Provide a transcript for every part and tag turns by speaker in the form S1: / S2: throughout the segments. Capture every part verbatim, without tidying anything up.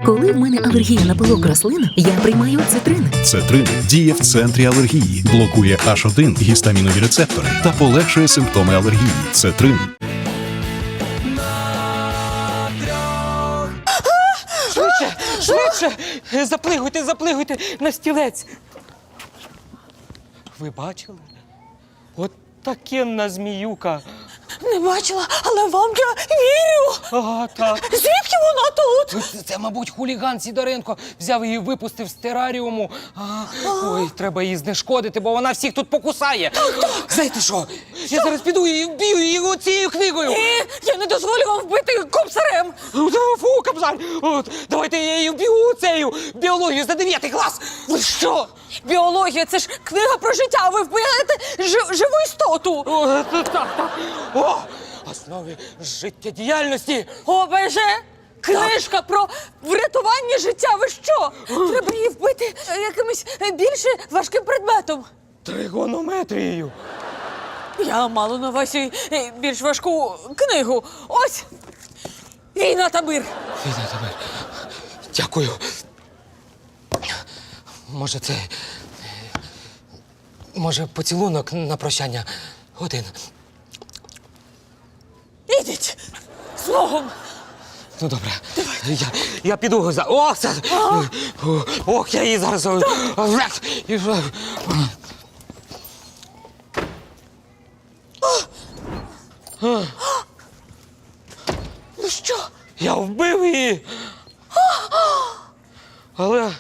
S1: Коли в мене алергія на пилок рослин, я приймаю цитрин.
S2: Цетрин діє в центрі алергії, блокує аш один гістамінові рецептори та полегшує симптоми алергії. Цетрин.
S3: Швидше, швидше! Заплигуйте, заплигуйте на стілець. Ви бачили? От такенна зміюка.
S4: Не бачила, але вам я вірю.
S3: Ага, так.
S4: Звідки вона тут?
S3: Це, це, мабуть, хуліган Сидоренко взяв її і випустив з тераріуму. А, ой, треба її знешкодити, бо вона всіх тут покусає. Знаєте що? Я зараз піду і вб'ю її цією книгою.
S4: Ні, я не дозволю вам вбити кобзарем.
S3: Фу, кобзар! От, давайте я її вб'ю цією біологію за дев'ятий клас.
S4: Ви що? Біологія – це ж книга про життя, а ви вбиваєте жи- живу істоту.
S3: О, так, так. О, основи життєдіяльності.
S4: О, боже! Книжка про врятування життя. Ви що? Треба її вбити якимось більш важким предметом.
S3: Тригонометрією.
S4: Я мала на увазі е, більш важку книгу. Ось. Війна та мир.
S3: Війна тебе. Дякую. Може, це. Може, поцілунок на прощання один.
S4: Ідіть. Слогом.
S3: Ну, добре. Я, я піду за. Ох, це. Ох, я її зараз. І...
S4: Ну що?
S3: Я вбив її. Але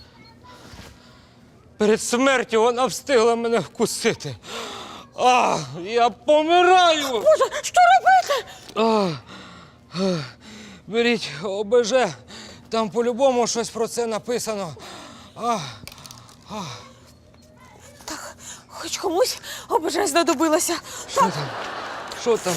S3: перед смертю вона встигла мене вкусити. А, я помираю.
S4: Боже, що робити?
S3: А, а, беріть О Б Ж, там по-любому щось про це написано. А,
S4: Так, хоч комусь обоже знадобилося.
S3: що там? Що там?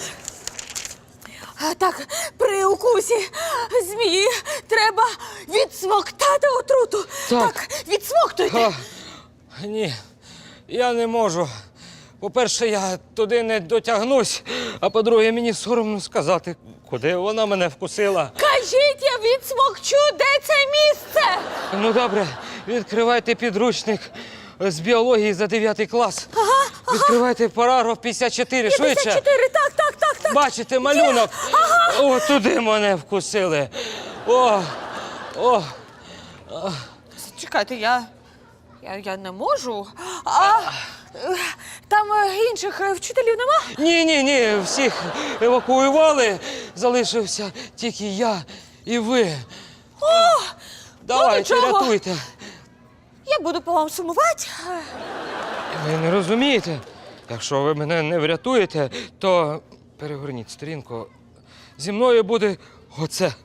S4: А, так, при укусі змії треба відсмоктати отруту.
S3: Так.
S4: відсмоктуйте.
S3: А, ні, я не можу. По-перше, я туди не дотягнусь, а по-друге, мені соромно сказати, куди вона мене вкусила.
S4: Кажіть, я відсмокчу, де це місце?
S3: Ну, добре, відкривайте підручник з біології за дев'ятий клас.
S4: Ага,
S3: Відкривайте параграф п'ятдесят чотири, швидше.
S4: п'ятдесят чотири, так, так, так, так.
S3: Бачите малюнок? О, туди мене вкусили. О, о.
S4: Чекайте, я, я, я не можу. А е, там е, інших е, вчителів нема?
S3: Ні, ні, ні, всіх евакуювали. Залишився тільки я і ви.
S4: О,
S3: Давайте,
S4: ну, нічого.
S3: рятуйте.
S4: Я буду по вам сумувати.
S3: Ви не розумієте? Якщо ви мене не врятуєте, то перегорніть сторінку. Зі мною буде оце.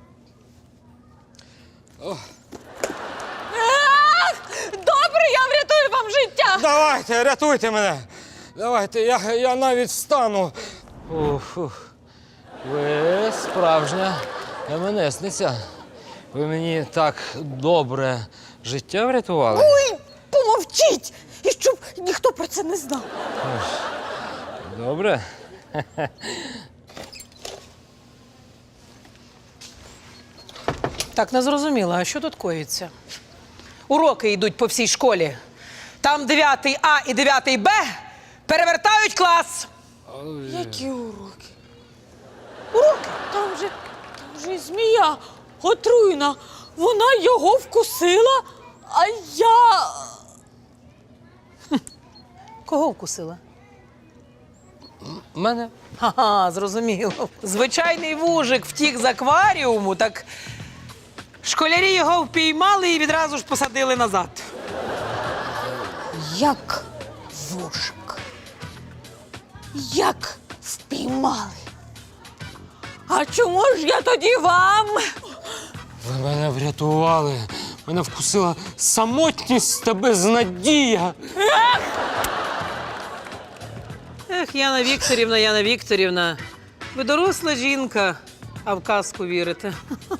S4: Ах, добре, я врятую вам життя.
S3: Давайте, рятуйте мене. Давайте, я, я навіть встану. Ух, ух. Ви справжня ем-ен-есниця. Ви мені так добре життя врятували.
S4: Ой, помовчіть! І щоб ніхто про це не знав.
S3: Добре.
S5: Так, не зрозуміла, а що тут коїться? Уроки йдуть по всій школі. Там дев'ятий А і дев'ятий Б перевертають клас.
S4: Які уроки? Уроки? Там же, там же змія отруєна. Вона його вкусила, а я...
S5: Кого вкусила?
S3: Мене?
S5: Ага, зрозуміло. Звичайний вужик втік з акваріуму, так школярі його впіймали і відразу ж посадили назад.
S4: Як вужик? Як впіймали? А чому ж я тоді вам?
S3: Ви мене врятували. Мене вкусила самотність та безнадія.
S5: Ех, Яна Вікторівна, Яна Вікторівна, ви доросла жінка, а в казку вірите.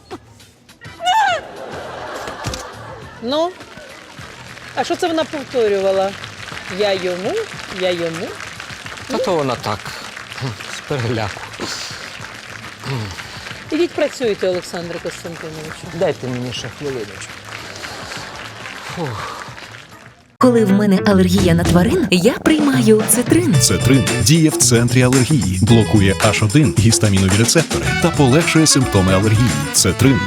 S5: Ну, а що це вона повторювала? Я йому, я йому.
S3: Та то вона так, з переляку.
S5: Ідіть працюйте, Олександре Костянтиновичу.
S3: Дайте мені ще хвилиночку.
S1: Коли в мене алергія на тварин, я приймаю цитрин.
S2: Цетрин діє в центрі алергії, блокує аш один гістамінові рецептори та полегшує симптоми алергії. Цетрин.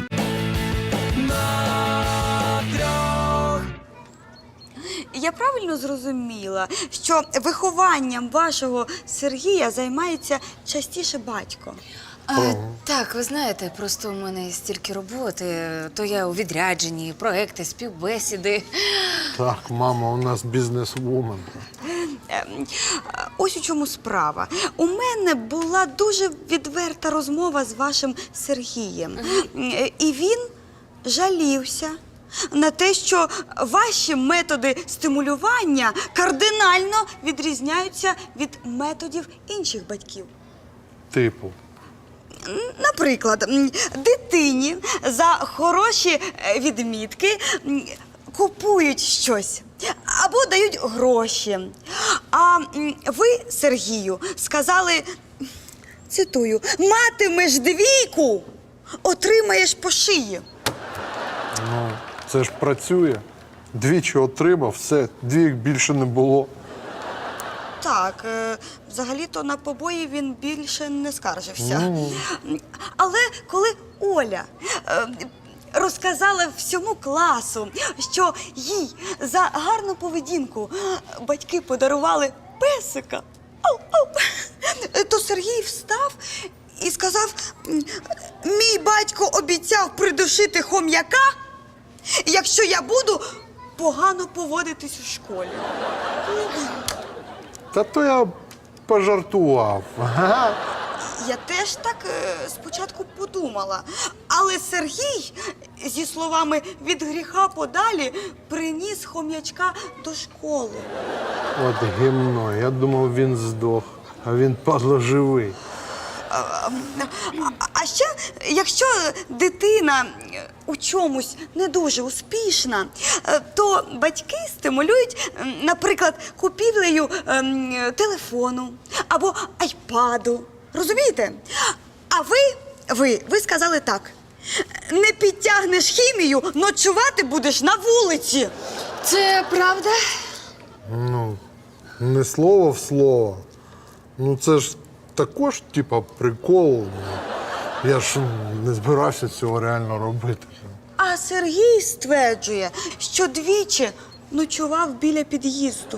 S6: Я правильно зрозуміла, що вихованням вашого Сергія займається частіше батько?
S7: А, так, ви знаєте, просто у мене стільки роботи, то я у відрядженні, проекти, співбесіди.
S8: Так, мама, у нас бізнес-вумен.
S6: Ем, Ось у чому справа. У мене була дуже відверта розмова з вашим Сергієм. Е, І він жалівся на те, що ваші методи стимулювання кардинально відрізняються від методів інших батьків.
S8: Типу.
S6: Наприклад, м, дитині за хороші е, відмітки м, купують щось або дають гроші. А м, ви, Сергію, сказали, цитую, матимеш двійку, отримаєш по шиї.
S8: Ну, це ж працює. Двічі отримав, все, двійок більше не було.
S6: Так, е, взагалі-то на побої він більше не скаржився. Але коли Оля е, розказала всьому класу, що їй за гарну поведінку батьки подарували песика, ау, ау, то Сергій встав і сказав, мій батько обіцяв придушити хом'яка, якщо я буду погано поводитись у школі.
S8: Та то я пожартував. Ага.
S6: Я теж так е, спочатку подумала. Але Сергій, зі словами «від гріха подалі», приніс хом'ячка до школи.
S8: От гімно, я думав, він здох, а він, падло, живий.
S6: А, а, а ще, якщо дитина у чомусь не дуже успішна, е, то батьки стимулюють, м, наприклад, купівлею ем, телефону або айпаду. Розумієте? А ви, ви, ви сказали так. Не підтягнеш хімію, ночувати будеш на вулиці.
S7: Це правда?
S8: Ну, не слово в слово. Ну, це ж також, типа, прикол. Ну, я ж не збирався цього реально робити.
S6: А Сергій стверджує, що двічі ночував біля під'їзду.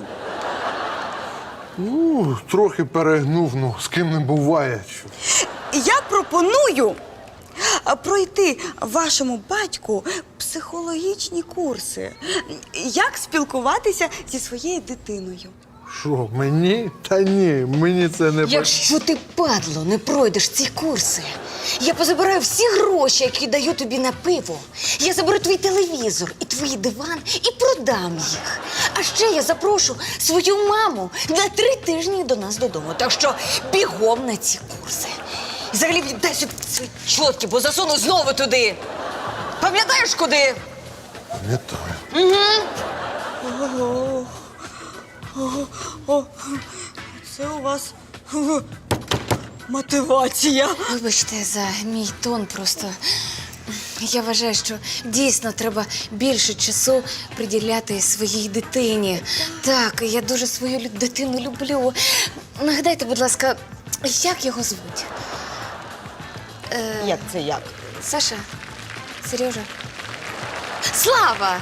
S8: Ну, трохи перегнув, ну, з ким не буває.
S6: Я пропоную а, пройти вашому батьку психологічні курси. Як спілкуватися зі своєю дитиною.
S8: Що, мені? Та ні, мені це не...
S7: Якщо ти, падло, не пройдеш ці курси, я позабираю всі гроші, які даю тобі на пиво. Я заберу твій телевізор і твій диван і продам їх. А ще я запрошу свою маму на три тижні до нас додому. Так що бігом на ці курси. І взагалі віддай сюди свої чотки, бо засуну знову туди. Пам'ятаєш, куди?
S8: Пам'ятаю.
S6: Ого. Ого. О, це у вас ого, мотивація.
S7: Вибачте за мій тон, просто я вважаю, що дійсно треба більше часу приділяти своїй дитині. Так, я дуже свою лю- дитину люблю. Нагадайте, будь ласка, як його звуть? Е,
S6: Як це як?
S7: Саша? Сережа? Слава!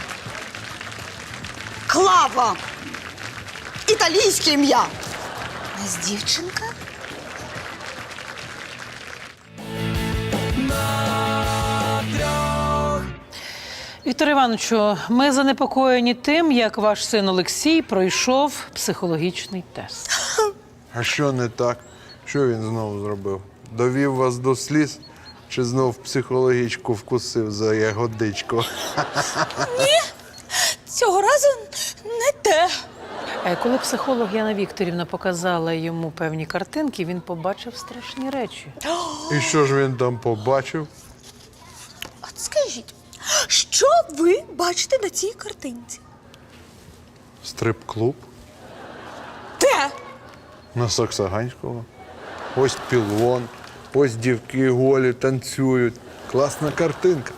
S6: Клава! Італійське ім'я.
S7: У нас дівчинка?
S5: Віктор Івановичу, ми занепокоєні тим, як ваш син Олексій пройшов психологічний тест.
S8: А що не так? Що він знову зробив? Довів вас до сліз? Чи знов психологічку вкусив за ягодичку?
S4: Цього разу не те.
S5: Е, Коли психолог Яна Вікторівна показала йому певні картинки, він побачив страшні речі.
S8: І що ж він там побачив?
S4: От скажіть, що ви бачите на цій картинці?
S8: Стрип-клуб?
S4: Де?
S8: На Саксаганського. Ось пілон, Ось дівки голі танцюють. Класна картинка.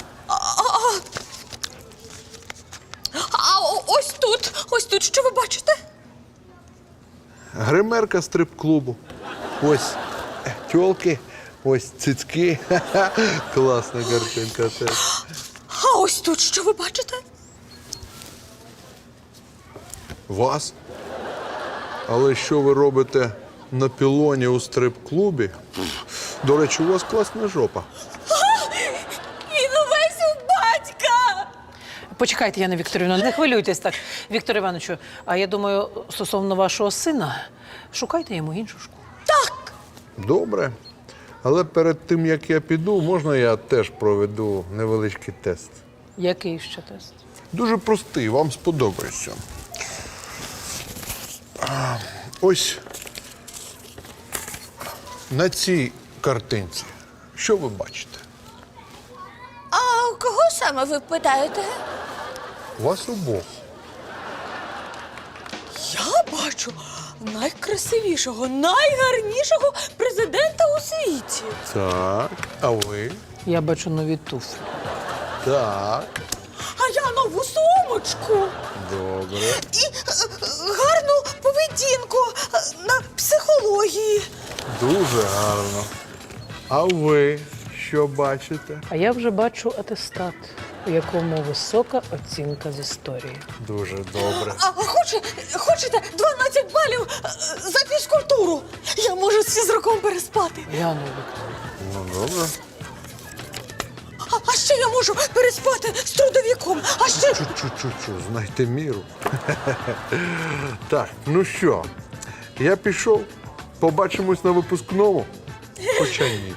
S4: А о- ось тут, ось тут, що ви бачите?
S8: Гримерка стрип-клубу. Ось е, тьолки, ось цицьки. Ха-ха. Класна картинка теж.
S4: А ось тут, що ви бачите?
S8: Вас? Але що ви робите на пілоні у стрип-клубі? До речі, у вас класна жопа.
S4: Він увесь у батька!
S5: Почекайте, Яна Вікторівна, не хвилюйтесь так. Віктор Івановичу, а я думаю, стосовно вашого сина, шукайте йому іншу школу.
S8: Добре. Але перед тим, як я піду, можна я теж проведу невеличкий тест?
S5: Який ще тест?
S8: Дуже простий, вам сподобається. А, Ось на цій картинці. Що ви бачите?
S4: А кого саме ви питаєте?
S8: Вас обох.
S4: Я бачу найкрасивішого, найгарнішого президента у світі.
S8: Так, а ви?
S5: Я бачу нові туфлі.
S8: Так,
S4: А я нову сумочку.
S8: добре.
S4: І е, гарну поведінку е, на психології.
S8: Дуже гарно. А ви що бачите?
S5: А я вже бачу атестат, у якому висока оцінка з історії.
S8: Дуже добре.
S4: А хоче, хочете дванадцять балів е, за фізкультуру? Я можу з фізруком переспати.
S5: Яна Вікторівна.
S8: Ну, добре.
S4: А, а ще я можу переспати з трудовиком. А ще
S8: Чу-чу-чу-чу, знайте міру. Так, ну що, я пішов. Побачимось на випускному. Хоча ні.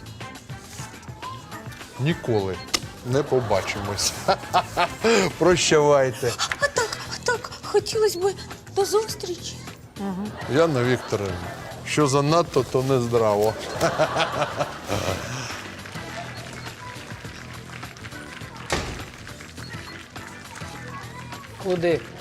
S8: Ніколи не побачимось. Прощавайте.
S4: а так, а так, хотілося б до зустрічі.
S8: Яна Вікторівна, що занадто, то не здраво.
S5: Куди?